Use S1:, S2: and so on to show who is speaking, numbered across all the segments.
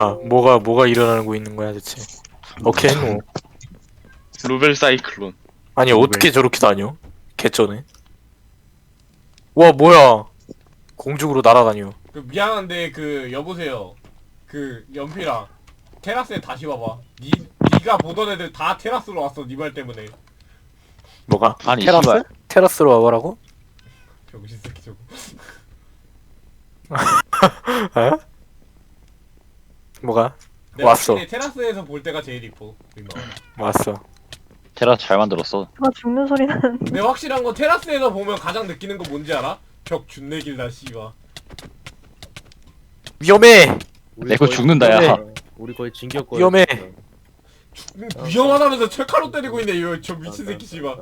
S1: 뭐가 일어나고 있는 거야 대체? 오케이 뭐.
S2: 루벨 사이클론.
S1: 아니 어떻게 저렇게 다녀? 개쩌네. 와 뭐야? 공중으로 날아다녀.
S3: 그 미안한데 그 여보세요. 그 연필아 테라스에 다시 와봐. 니가 보던 애들 다 테라스로 왔어 니 말 때문에.
S1: 뭐가?
S2: 아니,
S1: 테라스?
S2: 씨발.
S1: 테라스로 와보라고?
S3: 병신 새끼 저거.
S1: 에? 뭐가?
S3: 내가
S1: 왔어.
S3: 확실히 테라스에서 볼 때가 제일 이뻐. 민망하다.
S1: 왔어.
S2: 테라스 잘 만들었어.
S4: 아 죽는 소리 나는.
S3: 근데 확실한 건 테라스에서 보면 가장 느끼는 거 뭔지 알아? 벽 준내 길다 씨발.
S1: 위험해.
S2: 내 거 죽는다 야.
S5: 우리 거의 진격 거야.
S1: 위험해.
S3: 위험하다면서 철칼로 때리고 있네 이거 저 미친 새끼 씨발.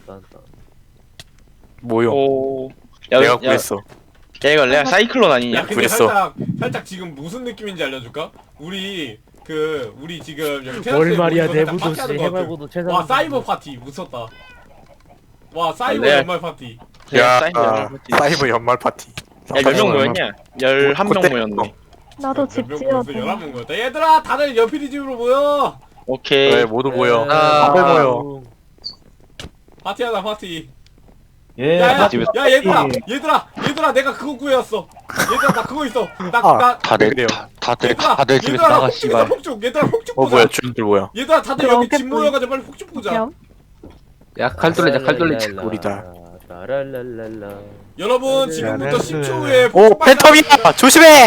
S1: 뭐요?
S2: 오.
S1: 내가 구했어.
S2: 야 이거 내가 사이클론
S3: 야
S2: 아니냐?
S3: 근데
S1: 그랬어.
S3: 살짝 지금 무슨 느낌인지 알려줄까? 우리 지금 여기
S5: 뭘
S3: 테라스에
S5: 말이야
S3: 모이고 살짝
S5: 내부도시
S3: 파티하는 거 같아.
S5: 해발고도 최상.
S3: 와 사이버 파티 무섭다. 와 사이버
S2: 네.
S3: 연말 파티.
S1: 야,
S2: 사이클론.
S1: 사이버 연말 파티.
S2: 야 몇 명 모였냐? 11명 모였네.
S4: 나도 집
S3: 몇
S4: 지어야
S3: 명
S4: 돼.
S3: 모였어? 11명 모였다. 얘들아 다들 연필이 집으로 모여.
S2: 오케이.
S1: 그래 모두 모여.
S5: 아,
S1: 다들 모여.
S3: 파티하자 파티.
S6: 예,
S3: 야야
S2: 집에서
S3: 야 얘들아 내가 그거 구해왔어. 얘들아 나 그거 있어.
S1: 아.
S3: 나
S2: 다들
S1: 그래요.
S2: 다들 집에서 나가 씨발.
S3: 폭죽 얘들아 폭죽
S1: 어
S3: 보자.
S1: 뭐야 주인들 뭐야?
S3: 얘들아 다들
S4: 그럼
S3: 여기 집
S4: 어깨
S3: 모여가지고 빨리 폭죽 보자.
S4: 그럼
S7: 야 칼돌레자 칼돌레자
S1: 우리다.
S5: 라랄랄랄라.
S3: 여러분 지금부터 10초 후에
S1: 오 팬텀이야. 조심해.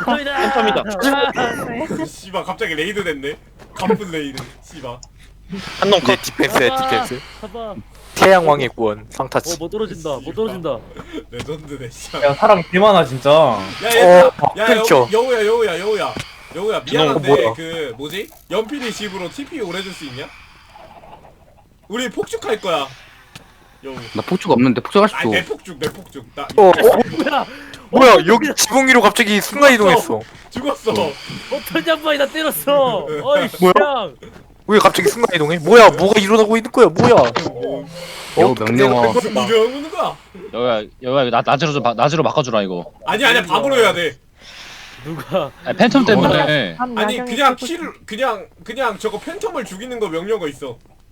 S5: 팬텀이다.
S4: 네.
S3: 씨발 갑자기 레이드 됐네. 갑분 레이드. 씨발.
S2: 한놈
S1: 내
S2: 컷.
S1: 디펜스야 디펜스.
S5: 봐봐.
S1: 태양왕의 구원 상타치.
S5: 못 떨어진다. 못 떨어진다.
S3: 레전드네 씨발.
S6: 야 사람 개 많아 진짜.
S3: 야 얘들아 야
S1: 끊겨.
S3: 여우야 미안한데
S1: 뭐야.
S3: 그 뭐지? 연필이 집으로 TP 오래줄 수 있냐? 우리 폭죽할 거야. 여우.
S7: 나 폭죽 없는데 폭죽할 수도.
S3: 아니 내 폭죽 나
S5: 뭐야?
S1: 뭐야 여기 지붕 위로 갑자기 순간 이동했어.
S3: 죽었어.
S5: 어떤 양반이 나 때렸어. 어이
S1: 뭐야?
S5: 냥.
S1: 왜 갑자기 순간 이동해? 뭐야 뭐가 일어나고 있는 거야? 뭐야?
S7: 여우 명령어.
S3: 무슨 일을 하고 있는 거야?
S2: 여기야 나 낮으로 바꿔주라 이거.
S3: 아니야 밤으로 해야 돼.
S5: 누가?
S2: 아니, 팬텀 때문에.
S4: 밤
S3: 아니
S4: 야경에
S3: 그냥
S4: 쏘고
S3: 키를 그냥 저거 팬텀을 죽이는 거 명령어 있어.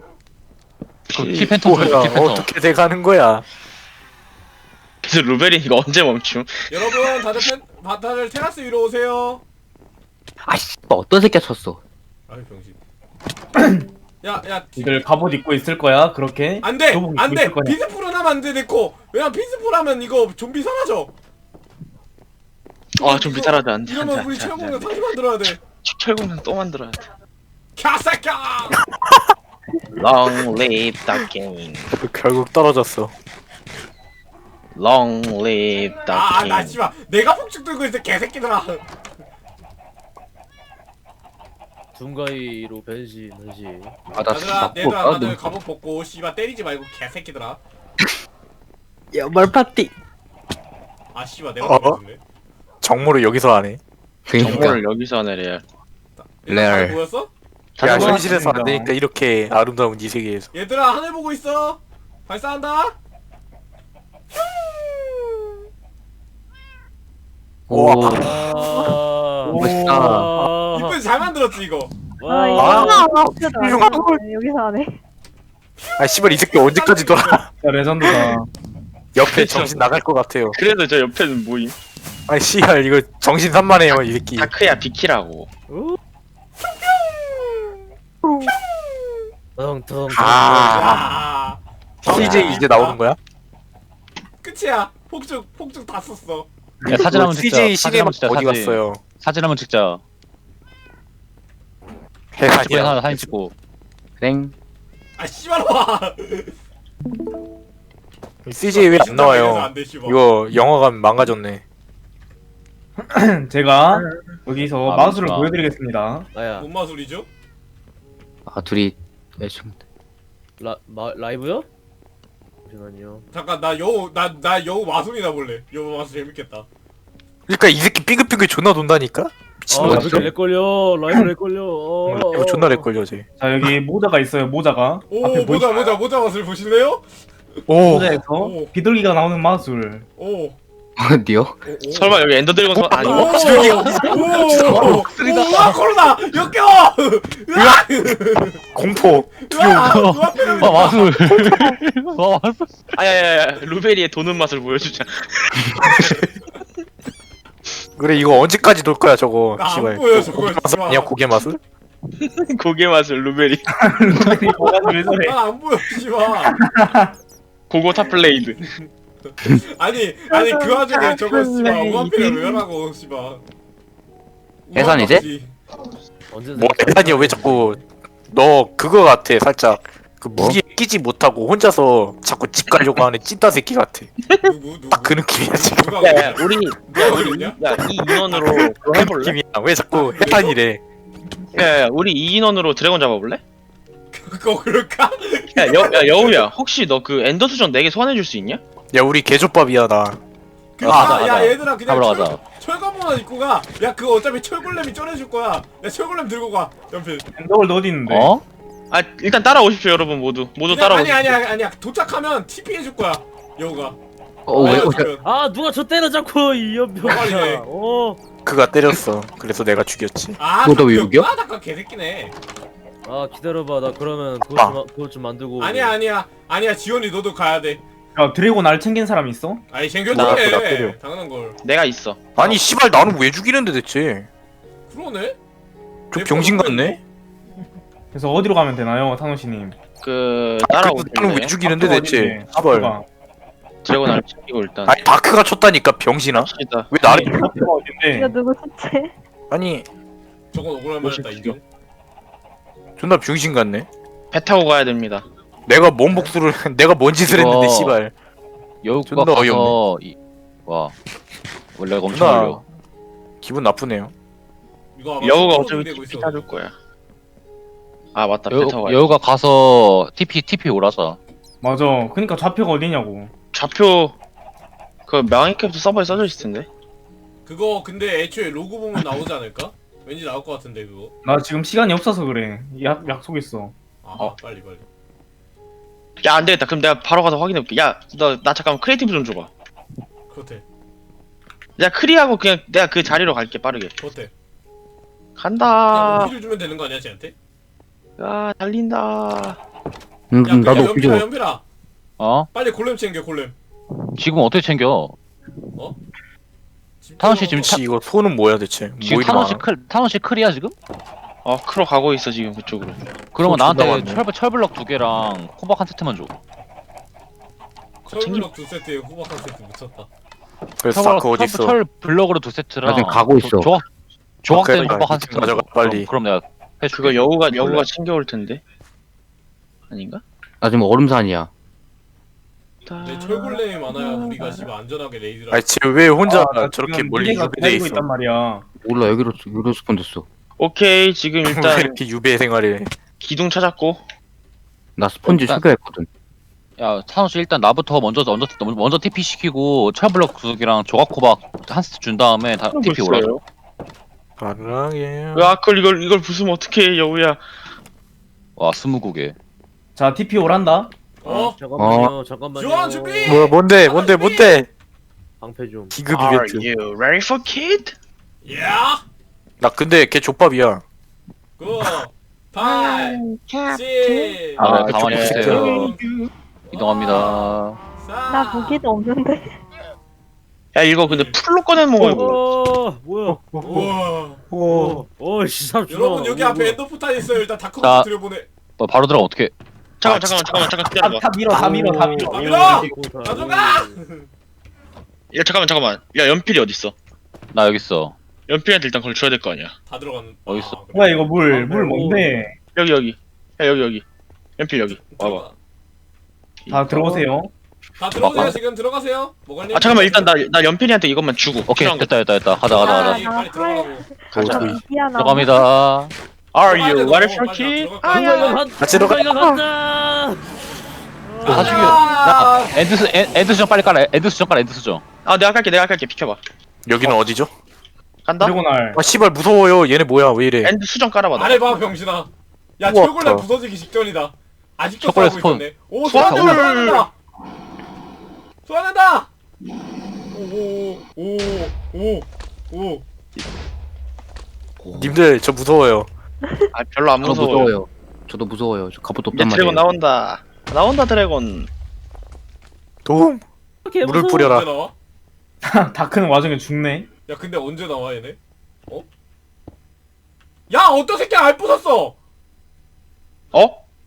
S2: 키 팬텀
S1: 뭐야
S2: 줘. 키 팬텀.
S1: 어떻게 돼가는 거야?
S2: 그래서 루벨이 이거 언제 멈춤?
S3: 여러분 다들 테라스 위로 오세요.
S7: 아씨 어떤 새끼야 쳤어.
S3: 아이 병신. 야
S6: 니들 갑옷 입고 있을 거야 그렇게.
S3: 안돼
S6: 교복 입고
S3: 안돼
S6: 있을 거냐?
S3: 피스풀은 하면 안돼 내코. 왜냐면 피스풀 하면 이거 좀비 사라져.
S2: 아 좀 비탈하다 안돼.
S3: 이러면 우리 최고공룡 다시 만들어야 돼.
S2: 철공은 또 만들어야 돼.
S3: 캬새끼야.
S2: Long live the king.
S1: 결국 떨어졌어.
S2: Long live the king.
S3: 나 씨발 내가 폭죽 들고 있어 개새끼들아.
S5: 둥가이로 변신.
S3: 얘들아
S7: 맞고
S3: 다들 갑옷 벗고 씨발 때리지 말고 개새끼들아.
S7: 연말 파티.
S3: 아 씨발 내가
S1: 어?
S3: 보여줬네.
S1: 정모를 여기서 하네.
S7: 그러니까
S2: 정보를 여기서 하네 레알.
S7: 레알.
S3: 보였어?
S1: 야
S2: 다들 뭐
S1: 현실에서 안
S6: 하십니다.
S1: 되니까 이렇게 아름다운 이 세계에서.
S3: 얘들아 하늘 보고 있어. 발사한다.
S1: 우와.
S5: 아.
S7: 멋있다.
S5: 아.
S3: 이쁜 잘 만들었지 이거.
S4: 아 이거
S5: 와.
S4: 훌륭한 여기서 하네.
S1: 아 씨발 이 새끼 언제까지 돌아?
S6: 야 레전드다.
S1: 옆에 정신 나갈 것 같아요.
S2: 그래도 저 옆에는 뭐임?
S1: 아니 씨발 이거 정신 산만해요 이 새끼.
S2: 다크야 비키라고.
S5: 텅텅.
S1: 아.
S3: 야.
S1: CJ 이제 나오는 거야?
S3: 끝이야. 폭죽 다 썼어.
S2: 야 사진 한번 찍자.
S1: CJ
S2: 사진 한번
S1: 시계만
S2: 찍자.
S1: 어디
S2: 사진.
S1: 갔어요?
S2: 사진 한번 찍자. 집에
S1: 해산이야.
S2: 하나 사진 찍고.
S7: 땡.
S3: 아 씨발 와.
S1: CJ 왜 안 나와요?
S3: 안 돼, 씨발.
S1: 이거 영화관 망가졌네.
S6: 제가 여기서
S2: 아,
S6: 마술을
S2: 맞다.
S6: 보여드리겠습니다.
S5: 나야.
S3: 뭔 마술이죠?
S7: 아 둘이 좀
S5: 라이브요? 잠시만요.
S3: 잠깐 나 여우 마술이나 볼래. 여우 마술 재밌겠다.
S1: 그러니까 이 새끼 삐글삐글 존나 돈다니까? 미친놈
S5: 아,
S1: 같아.
S5: 렉 걸려. 라이브 렉 걸려.
S1: 이거 존나 렉 걸려 쟤.
S6: 자 여기 모자가 있어요. 모자가.
S3: 오
S6: 앞에
S3: 모자 마술 보실래요?
S1: 오.
S6: 모자에서
S3: 오.
S6: 비둘기가 나오는 마술.
S3: 오
S7: 어디요?
S2: 설마 여기 엔더 드래곤 선 아니
S3: 오! 오! 우와 코로나 역겨워! 으악!
S1: 공포.
S3: 으악! 눈앞에는
S8: 와 마술. 와 마술.
S2: 아야야야 루베리의 도는 맛을 보여주자.
S1: 그래 이거 언제까지 놀 거야 저거.
S3: 안
S1: 씨발.
S3: 보여, 저거,
S1: 고개 맛을
S3: 씨발.
S1: 아니야 고개 맛을?
S2: 고개 맛을 루베리.
S6: 왜 저래?
S3: 난안 보여 씨발.
S2: 고고 탑블레이드.
S3: 아니 그 와중에 저거 씨발 우한필을 왜 하라고 씨발.
S7: 해산이지?
S5: 언제
S1: 뭐 대단이야 왜 자꾸 너 그거 같아 살짝 그 무기에 끼지 못하고 혼자서 자꾸 집 가려고 하는 찐따 새끼 같아.
S3: 누구?
S1: 딱 그 느낌이야 지금.
S3: 누가
S2: 야야 우리
S3: 누가 그랬냐?
S2: 야이 인원으로 그거
S1: 그
S2: 해볼래?
S1: 느낌이야. 왜 자꾸 해산이래?
S2: 야야 우리 이 인원으로 드래곤 잡아볼래?
S3: 그거 그럴까?
S2: 야 여우야 혹시 너 그 엔더 수정 4개 소환해줄 수 있냐?
S1: 야 우리 개조밥이야 나.
S8: 가자,
S3: 야
S8: 가자.
S3: 얘들아 그냥
S8: 잡으러 가자.
S3: 철검만 입고 가. 야 그거 어차피 철골렘이 쩔어줄 거야. 야 철골렘 들고 가. 연필.
S6: 엔더월드 어디 있는데?
S8: 어?
S2: 아 일단 따라오십시오 여러분 모두 따라오십시오.
S3: 아니야. 도착하면 TP 해줄 거야. 여우가.
S7: 왜?
S3: 알려주면.
S5: 아 누가 저 때려 자꾸 이
S3: 빨리 해.
S5: 연병아. 어.
S1: 그가 때렸어. 그래서 내가 죽였지.
S3: 아,
S7: 너왜 여기야?
S3: 잠깐 개새끼네.
S5: 아 기다려봐 나 그러면
S1: 아.
S5: 그것 좀 만들고.
S3: 아니야. 지원이 너도 가야 돼.
S6: 야 드래곤 알 챙긴 사람 있어?
S3: 아니
S1: 나 때려.
S3: 챙겨줄게. 당연한 걸.
S2: 내가 있어.
S1: 아니 씨발 나는 왜 죽이는데 대체?
S3: 그러네.
S1: 저 병신 같네.
S6: 그래서 어디로 가면 되나요, 타노시님?
S2: 그
S1: 나는
S2: 따라오실래요?
S1: 왜 죽이는데
S6: 앞으로
S1: 대체?
S6: 어딘데?
S1: 씨발.
S6: 앞으로가.
S2: 드래곤 알 챙기고 일단.
S1: 아니 다크가 쳤다니까 병신아.
S2: 갑시다.
S1: 왜 나를?
S6: 앞으로가
S4: 이거
S6: 어딘데?
S4: 누구 수채?
S1: 아니
S3: 저건 억울할 만했다 인정.
S1: 존나 병신 같네.
S2: 배 타고 가야 됩니다.
S1: 내가 뭔 복수를 내가 뭔 짓을 했는데 씨발.
S8: 여우가
S1: 존나
S8: 가서 와 원래 엄청
S1: 존나
S8: 어려.
S1: 기분 나쁘네요.
S3: 이거 아마
S2: 여우가
S3: 손으로
S2: 어차피
S3: 되고
S2: TP
S3: 있어.
S2: 타줄 거야. 아 맞다 배 타고 가야 돼.
S8: 여우가 가서 TP 오라자.
S6: 맞아. 그니까 좌표가 어디냐고.
S2: 좌표 그 명예캡도 서버에 써져 있을 텐데.
S3: 그거 근데 애초에 로고 보면 나오지 않을까? 왠지 나올 것 같은데 그거.
S6: 나 지금 시간이 없어서 그래. 약속 있어.
S3: 아 빨리.
S2: 야 안되겠다. 그럼 내가 바로 가서 확인해볼게. 야 너 나 잠깐만 크리에이티브 좀 줘봐.
S3: 그렇대.
S2: 야 크리하고 그냥 내가 그 자리로 갈게 빠르게.
S3: 그냥
S2: 간다.
S3: 오피를 주면 되는 거 아니야 쟤한테?
S2: 야 달린다.
S3: 야
S7: 나도
S3: 연필아
S7: 필요.
S3: 연필아.
S8: 어?
S3: 빨리 골렘 챙겨 골렘.
S8: 지금 어떻게 챙겨?
S3: 집
S8: 타노 씨
S3: 들어가고.
S8: 지금
S1: 씨 이거 손은 뭐야 대체?
S8: 지금
S1: 뭐 이리 많아?
S8: 타노시 클이야 지금?
S2: 크로 가고 있어 지금 그쪽으로.
S8: 그러면
S1: 존나
S8: 나한테
S1: 많네.
S8: 철블럭 2개랑 호박 한 세트만 줘.
S3: 철블럭 2세트에 호박 한 세트 묻혔다.
S1: 그래서 다크 어디 있어?
S8: 철 블럭으로 2세트랑
S7: 나 지금 가고 있어.
S8: 조각된
S1: 그래,
S8: 호박 한
S1: 이쪽
S8: 세트
S1: 가져가, 빨리.
S8: 그럼 내가 해줄게.
S2: 그거 여우가 챙겨올 텐데. 아닌가?
S7: 나 지금 얼음산이야.
S3: 내 철골렘이 많아야 우리가 씨발 안전하게 레이드를.
S1: 아니 쟤왜 혼자
S6: 나
S1: 저렇게
S6: 지금
S1: 멀리
S6: 미래가
S1: 유배돼
S6: 기다리고
S1: 있어?
S6: 있단 말이야.
S7: 몰라 여기로 스폰 됐어.
S2: 오케이 지금
S1: 왜
S2: 일단
S1: 이렇게 유배 생활을 해?
S2: 기둥 찾았고.
S7: 나 스폰지
S8: 일단-
S7: 소개했거든.
S8: 야 타노시 일단 나부터 먼저 TP 시키고 철블럭 2개랑 조각 호박 한 세트 준 다음에 다 TP 오라자.
S1: 사랑해.
S2: 야 그걸 이걸 부수면 어떡해 여우야.
S8: 와 20곡에.
S6: 자, TP 오란다.
S5: 잠깐만요.
S3: 지원 준비.
S1: 뭐야 뭔데?
S5: 방패 좀.
S1: 기급
S2: Are
S1: 이벤트.
S2: you ready for kid?
S3: 야.
S1: 나 근데 걔 족밥이야.
S3: 9 8 7
S8: 아, 네, 가만히
S1: 좀
S8: 있으세요. 이동합니다.
S4: 나 무기도 없는데.
S2: 야 이거 근데 풀로 꺼내 먹어 이거.
S5: 뭐야?
S3: 우와.
S5: 씨 사람 죽어.
S3: 여러분 여기 앞에 엔더포탈 있어요. 일단
S8: 자.
S3: 다크부터 들여보내.
S8: 너 바로 들어가 어떻게?
S2: 잠깐 기다려봐.
S6: 다 밀어.
S3: 다 밀어. 가져가.
S2: 야 잠깐만. 야 연필이 어딨어?
S8: 나 여기 있어.
S2: 연필한테 일단 그걸 줘야 될 거 아니야.
S3: 다 들어가는.
S8: 어디 있어?
S3: 그래.
S6: 뭐야 이거 물 뭔데?
S2: 여기. 야 여기. 연필 여기. 와봐.
S6: 다 들어오세요.
S3: 다 들어오세요. 지금 들어가세요. 뭐가니?
S2: 아 잠깐만 일단 나 연필이한테 이것만 주고.
S8: 오케이
S2: 필요한 거.
S8: 됐다. 가자.
S3: 빨리 들어가라고.
S2: 가자.
S4: 미안.
S8: 들어갑니다.
S2: Are
S3: 빨리
S2: you
S3: 들어가,
S2: ready for
S3: 빨리
S2: kid?
S3: 들어가.
S2: 아야.
S1: 같이 들어가.
S5: 이거 간다.
S8: 다 죽여. 야 엔드 수정 빨리 깔아. 엔드 수정.
S2: 아 내가 깔게 비켜봐.
S1: 여기는 어디죠?
S2: 간다.
S6: 드래곤알.
S1: 아 씨발 무서워요. 얘네 뭐야 왜 이래?
S2: 엔드 수정 깔아봐. 너.
S3: 아래 봐 병신아. 야
S1: 우와,
S3: 철골렘
S1: 어.
S3: 부서지기 직전이다. 아직도
S8: 초콜릿
S3: 싸우고
S8: 스폰.
S3: 있었네. 오
S2: 소환을!
S3: 소환된다. 오오오오오
S1: 님들 저 무서워요.
S2: 아 별로 안
S7: 저도
S2: 무서워요.
S7: 무서워요. 저도 무서워요. 저 갑옷
S2: 이제
S7: 없단
S2: 드래곤
S7: 말이에요.
S2: 나온다. 나온다 드래곤.
S1: 도움. 물을
S3: 언제
S1: 뿌려라.
S3: 나와?
S6: 다크는 와중에 죽네.
S3: 야 근데 언제 나와 얘네? 어? 야 어떤 새끼야 알 부쉈어!
S2: 어?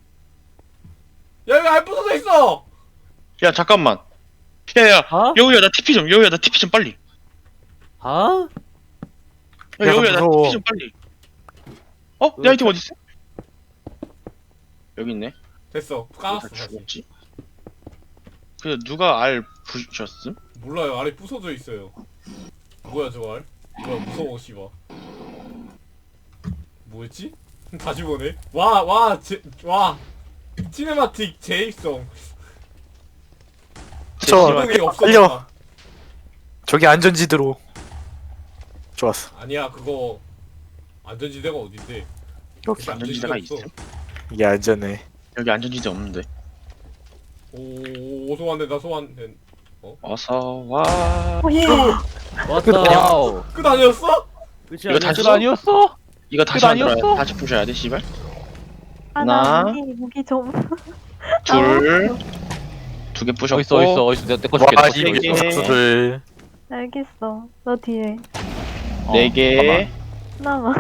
S3: 야 여기 알 부서져 있어!
S2: 야 잠깐만. 야야
S5: 아?
S2: 여우야 나 TP 좀. 여우야 나 TP 좀 빨리.
S5: 아?
S2: 야,
S1: 야,
S2: 여우야 나
S1: 무서워.
S2: TP 좀 빨리. 어? 내 아이템 어디 있어? 여기 있네.
S3: 됐어 까놨어
S2: 다
S3: 다시.
S2: 죽었지? 그 누가 알 부셨음?
S3: 몰라요 알이 부서져 있어요. 뭐야 저 알? 뭐야 무서워 씨발. 뭐였지? 다시 보네. 와 시네마틱 제입성.
S1: 저
S3: 기능이
S1: 살려.
S3: 없어졌다.
S1: 저기 안전지대로. 좋았어.
S3: 아니야 그거 안전지대가 어딘데?
S1: 여기
S2: 안전지대가
S3: 없어.
S2: 있음?
S1: 이게 안전해.
S2: 여기 안전지대 없는데.
S3: 오 소환돼 나 소환된.
S2: 어서 와.
S5: 왔다.
S8: 와우.
S3: 끝 아니었어?
S5: 끝이
S2: 이거 다시
S5: 아니었어?
S8: 아니었어?
S2: 이거 다시
S8: 끝
S2: 만들어야
S8: 아니었어?
S2: 다시 부셔야 돼 씨발.
S4: 아나
S2: 하나.
S4: 무기 좀.
S2: 둘. 두 개 부셨고.
S8: 어딨어 내거 줄게
S1: 와
S8: 내거 줄게
S2: 이게-
S8: 어딨어?
S1: 녀석들.
S4: 알겠어. 너 뒤에
S2: 네 개.
S4: 나와.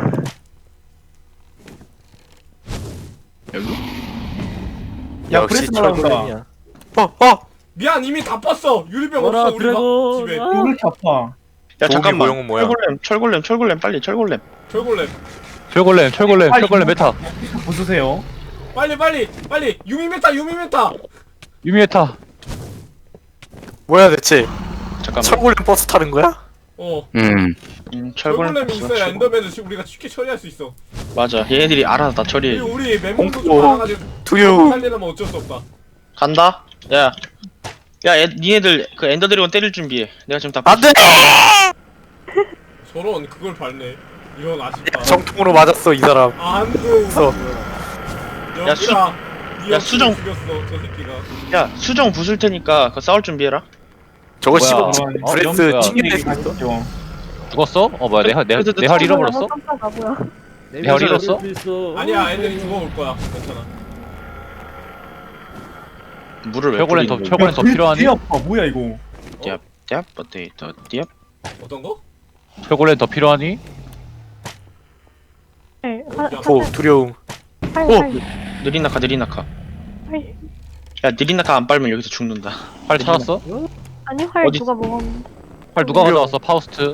S2: 여기?
S6: 야
S1: 역시
S6: 브레스 날아온다.
S1: 철거맨이야. 어.
S3: 미안 이미 다 빴어. 유리병
S5: 뭐라,
S3: 없어 우리가
S5: 드래곤.
S3: 집에.
S5: 아.
S6: 왜 이렇게 아파?
S2: 야
S1: 도움이
S2: 잠깐만.
S1: 모형은 뭐야?
S2: 철골렘 빨리 철골렘.
S3: 철골렘.
S8: 철골렘 메타
S6: 부수세요.
S3: 빨리 유미메타
S8: 유미메타
S1: 뭐야 대체?
S2: 잠깐만.
S1: 철골렘 버스 타는 거야?
S2: 철골렘
S3: 철골렘이 있어야 엔더맨을 우리가 쉽게 처리할 수 있어.
S2: 맞아. 얘네들이 알아서 다 처리해.
S3: 우리 멤버도 좀
S1: 공포.
S3: 많아가지고
S1: 두유.
S3: 살려면 어쩔 수 없다.
S2: 간다. 야. 니네들 그 엔더 드래곤 때릴 준비해. 내가 지금 다
S1: 안돼.
S3: 저런 그걸 밟네. 이런 아쉽다.
S1: 정통으로 맞았어 이 사람.
S3: 안돼.
S1: 없어.
S2: 야, 수-
S3: 야
S2: 수정.
S3: 죽였어 저 새끼가.
S2: 야 수정 부술 테니까 그 싸울 준비해라.
S1: 저거
S8: 뭐야?
S1: 씹어.
S6: 어,
S1: 브레스
S8: 뭐야?
S1: 튕겨낼 수 있어.
S6: 가시죠.
S8: 죽었어? 뭐야 내활 잃어버렸어?
S4: 깜짝아 뭐야?
S8: 내활 잃었어?
S3: 아니야 애들이 죽어올 거야. 괜찮아.
S2: 물을 왜
S8: 철골렘 더
S2: 뿌리는
S8: 철골렘 더 필요하니?
S6: 되게 아파. 뭐야 이거?
S2: 띠압 버테이터 띠압.
S3: 어떤 거?
S8: 철골렘 더 필요하니?
S4: 네,
S1: 오 두려움.
S2: 느린 낙하.
S4: 활.
S2: 야 느린 낙하 안 빨면 여기서 죽는다.
S8: 활 찾았어?
S4: 아니 활
S2: 어디
S4: 누가 먹었는데?
S8: 활 누가 가져왔어? 파우스트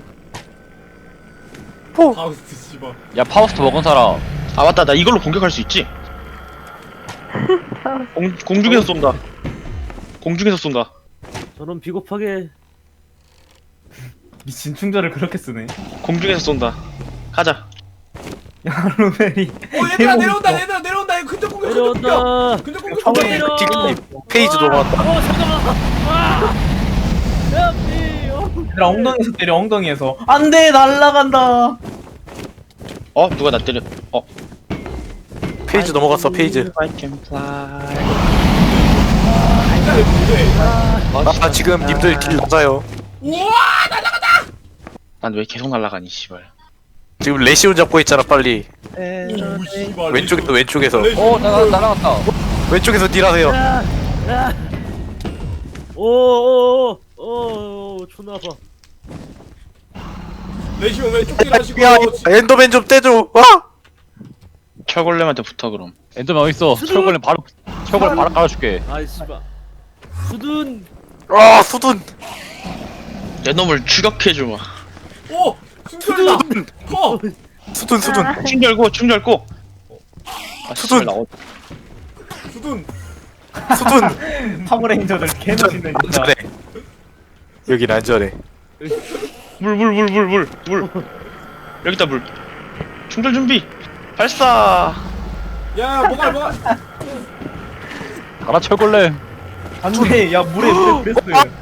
S3: 파우스트 씨발.
S8: 야 파우스트 먹은 사람
S2: 아 맞다 나 이걸로 공격할 수 있지. 공중에서 쏜다. 공중에서 쏜다.
S5: 저런 비겁하게
S6: 미친 충전을 그렇게 쓰네.
S2: 공중에서 쏜다. 가자.
S6: 야 루벨이.
S3: 얘들아 내려온다. 얘들아 내려온다. 이거 근접 공격.
S5: 내려온다.
S3: 근접 공격.
S6: 처음에
S5: 내려.
S1: 페이지 넘어왔다.
S5: 잠깐만. 야, 미.
S6: 얘들아 엉덩이에서 때려 엉덩이에서. 안돼 날라간다.
S2: 누가 나 때려.
S1: 페이지 넘어갔어 페이지.
S2: I can fly.
S1: 아 지금 님들 길 낮아요.
S3: 우와.
S2: 난 왜 계속 날아가니 씨발.
S1: 지금 레시온 잡고 있잖아 빨리.
S3: 오 씨발.
S1: 왼쪽에서 왼쪽에서.
S8: 날아갔다
S1: 왼쪽에서 딜하세요.
S5: 오, 존나 아파.
S3: 레시오 왼쪽 딜하시고.
S1: 야 엔더맨 좀 떼줘. 와.
S2: 철골렘한테 붙어 그럼.
S8: 엔더맨 어딨어? 철골렘 바로 깔아줄게
S5: 아이 씨발. 수둔.
S1: 아 수둔.
S2: 내 놈을 추격해주마.
S3: 오 순결이다. 커.
S1: 수둔.
S2: 충 열고.
S1: 수둔.
S2: 씨발, 나
S3: 수둔.
S1: 수둔.
S6: 파워레인저들 개멋있네 진짜.
S1: 안전해. 여긴 안전해.
S2: 물. 여기다 물. 충전 준비. 발사.
S3: 야 뭐가.
S8: 가라 철골렘
S6: 안돼. 야 물에 브레스.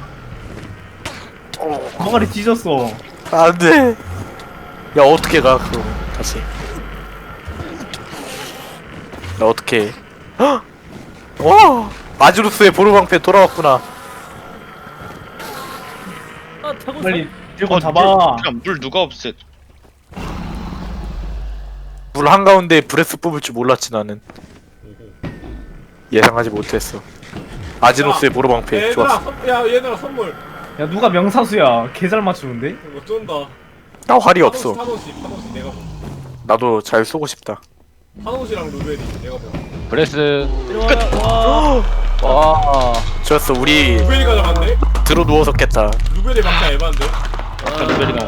S6: 머가리 뒤졌어.
S1: 안돼. 야 어떻게 가 그럼 다시. 나 어떻게? 헉! 와 아주루스의 보루방패 돌아왔구나.
S5: 타고
S6: 빨리 들고 잡아.
S2: 물 누가 없애?
S1: 물 한가운데 브레스 뽑을 줄 몰랐지 나는. 예상하지 못했어. 아지노스의 보로방패
S3: 얘들아,
S1: 좋았어.
S3: 야 얘들아 선물.
S6: 야 누가 명사수야? 개 잘 맞추는데?
S3: 이거 쫀다.
S1: 나 활이 없어.
S3: 파노시 내가 보.
S1: 나도 잘 쏘고 싶다.
S3: 파노시랑 루벨이 내가 보.
S8: 브레스.
S5: 들어와. 와.
S8: 와.
S1: 좋았어. 우리
S3: 루벨이가 잡았네?
S1: 들어 누워서 깼다.
S3: 루벨이 막자 에반데?
S2: 루벨이가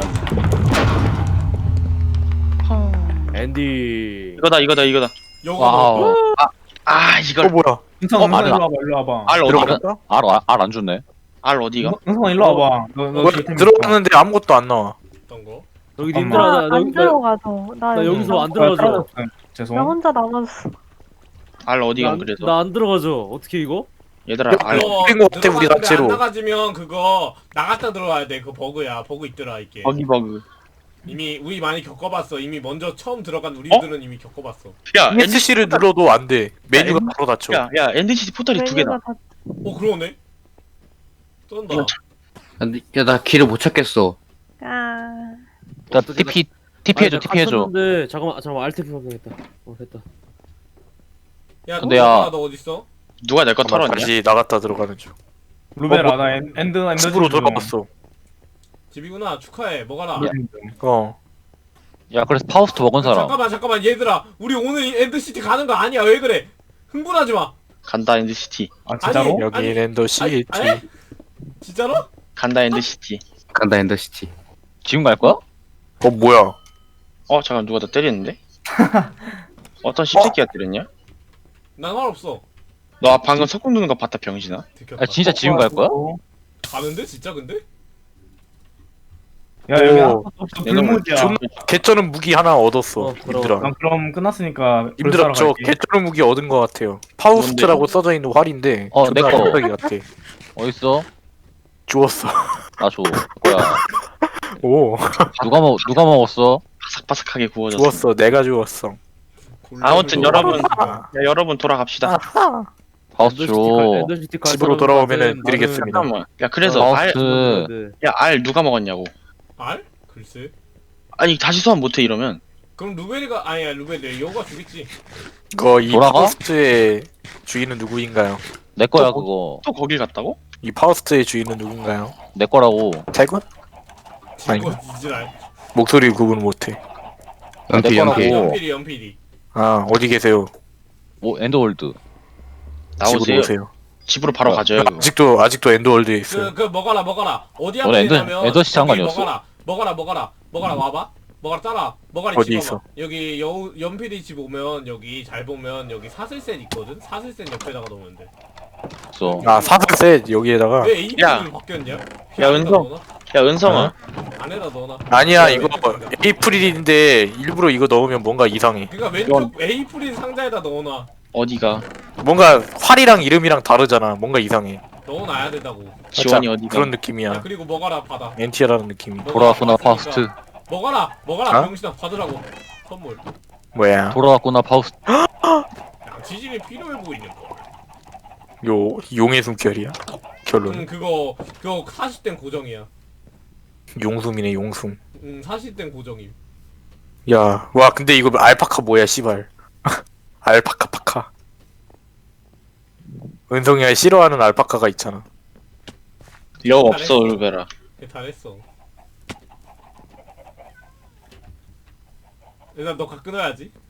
S5: 앤디.
S2: 이거다.
S3: 요거
S8: 와우.
S2: 이걸
S1: 뭐야?
S6: 은성
S8: 맞아.
S6: 일로 와봐 일로 와봐.
S2: 알 어디가?
S1: 들어갔다?
S8: 알안 주네.
S2: 알 어디가?
S6: 은성 일로 와봐. 너
S1: 들어갔는데 아무것도 안 나와.
S3: 어떤 거?
S5: 여기
S6: 잠깐만.
S5: 님들아 나
S4: 안
S5: 여기
S4: 들어가죠.
S5: 나 여기서 안 들어가죠.
S6: 죄송.
S4: 나 혼자 남았어.
S2: 알 어디가 그래서?
S5: 나 안 들어가죠. 어떻게 이거?
S2: 얘들아 알
S1: 그린 것 같아, 우리
S3: 들어갔는데
S1: 단체로.
S3: 안 나가지면 그거 나갔다 들어와야 돼. 그거 버그야. 버그 있더라 이게.
S2: 버그.
S3: 이미 우리 많이 겪어봤어. 이미 먼저 처음 들어간 우리들은 이미 겪어봤어.
S2: 야
S1: NC를 눌러도 안 돼. 메뉴가 바로 닫혀.
S2: 야 엔드시티 포털이 두 개다.
S4: 메뉴가 다-
S3: 그러네. 쩐다.
S7: 야, 나 길을 못 찾겠어.
S4: 아,
S8: 나 TP 해줘. TP 해줘.
S5: 근데 잠깐만 알테피 확인했다. 됐다.
S3: 야,
S8: 근데 야-
S3: 너 어딨어?
S2: 누가 내 거
S1: 잠깐만,
S2: 털었냐?
S1: 다시 나갔다 들어가는 중.
S6: 루베라 나 엔드
S1: 집으로 돌아갔어.
S3: 집이구나. 축하해. 먹어라.
S1: 어.
S8: 야 그래서 파우스트 먹은 사람.
S3: 잠깐만 얘들아. 우리 오늘 이 엔드시티 가는 거 아니야. 왜 그래? 흥분하지 마.
S2: 간다 엔드시티.
S6: 아 진짜로?
S3: 아니,
S1: 여기 랜더 시티.
S3: 아니? 진짜로?
S2: 간다 엔드시티.
S7: 간다 엔더시티.
S8: 지금 갈 거야?
S1: 뭐야?
S2: 잠깐 누가 나 때렸는데? 어떤 씹새끼가 때렸냐?
S3: 난 말 없어.
S2: 너 방금 석궁 누는 거 봤다 병신아?
S3: 들켰다.
S8: 아 진짜 지금 갈 거야?
S3: 가는데 진짜 근데?
S6: 야 여기
S1: 오.
S6: 아무것도 없어. 불무지야.
S1: 존나 개쩌는 무기 하나 얻었어.
S5: 부러워.
S1: 님들아.
S6: 난 그럼 끝났으니까
S1: 님들아 저
S6: 갈게.
S1: 개쩌는 무기 얻은 거 같아요. 파우스트라고 써져 있는 활인데.
S8: 내 거.
S1: 깜짝이 같아.
S8: 어딨어?
S1: 주웠어.
S8: 나 줘. 뭐야?
S1: 오.
S8: 누가 먹었어?
S2: 바삭바삭하게 구워졌어.
S1: 주웠어. 내가 주웠어.
S2: 아무튼 여러분,
S1: 아.
S2: 야 여러분 돌아갑시다.
S8: 파우스트 줘.
S5: 엔더시티 갈
S1: 집으로
S5: 사람은
S1: 돌아오면은
S5: 나는-
S1: 드리겠습니다.
S2: 잠깐만. 야 그래서
S8: 파우스트.
S2: 알 누가 먹었냐고.
S3: 알? 글쎄.
S2: 아니 다시 소환 못해 이러면.
S3: 그럼 루벨이가 아니야 루벨이 여우가 죽겠지.
S1: 이
S8: 돌아가?
S1: 파우스트의 주인은 누구인가요?
S8: 내 거야 그거.
S2: 또 거길 갔다고?
S1: 이 파우스트의 주인은 누군가요?
S8: 내 거라고.
S1: 태군?
S3: 지고 이지랄.
S1: 목소리 구분 못해.
S7: 연피
S8: 내 거라고.
S7: 연피.
S3: 연필이.
S1: 아 어디 계세요?
S8: 엔더월드.
S1: 집으로
S2: 나오세요.
S1: 오세요.
S2: 집으로 바로 가져요. 그거.
S1: 아직도 엔더월드에 있어요.
S3: 그 먹어라. 어디
S8: 너네
S3: 앞에냐면
S8: 엔더시티 상관이 없어?
S3: 먹어라 와봐. 먹어라 따라. 먹어라
S1: 어디
S3: 집
S1: 있어?
S3: 와봐. 여기 연필이 집 오면 여기 잘 보면 여기 사슬셋 있거든. 사슬셋 옆에다가 넣으면 돼.
S8: 있어.
S1: 아 사슬셋 여기에다가.
S3: 왜 AP를
S2: 야.
S3: 바뀌었냐?
S2: 야, 은성. 야 은성아.
S3: 안에다 넣어놔.
S1: 아니야 이거
S3: 왼쪽
S1: 에이프릴인데 일부러 이거 넣으면 뭔가 이상해.
S3: 그러니까 왼쪽 A 프릴 상자에다 넣어놔.
S2: 어디가?
S1: 뭔가 활이랑 이름이랑 다르잖아. 뭔가 이상해.
S3: 넣어놔야 된다고.
S2: 지원이
S1: 살짝
S2: 어디가?
S1: 그런
S3: 야,
S1: 느낌이야.
S3: 그리고 먹어라 받아.
S1: NTR라는 느낌이.
S8: 돌아왔구나 파우스트.
S3: 먹어라
S1: 어?
S3: 병신아 받으라고. 선물.
S1: 뭐야?
S8: 돌아왔구나 파우스트.
S3: 지진이 필요해 보이는 거.
S1: 용의 숨결이야. 결론.
S3: 그거 40된 고정이야.
S1: 용숨이네 용숨.
S3: 40된 고정임.
S1: 야, 와 근데 이거 알파카 뭐야 씨발. 알파카 파카. 은성이가 싫어하는 알파카가 있잖아.
S2: 여 없어 울베라.
S3: 잘했어. 일단 너 끊어야지.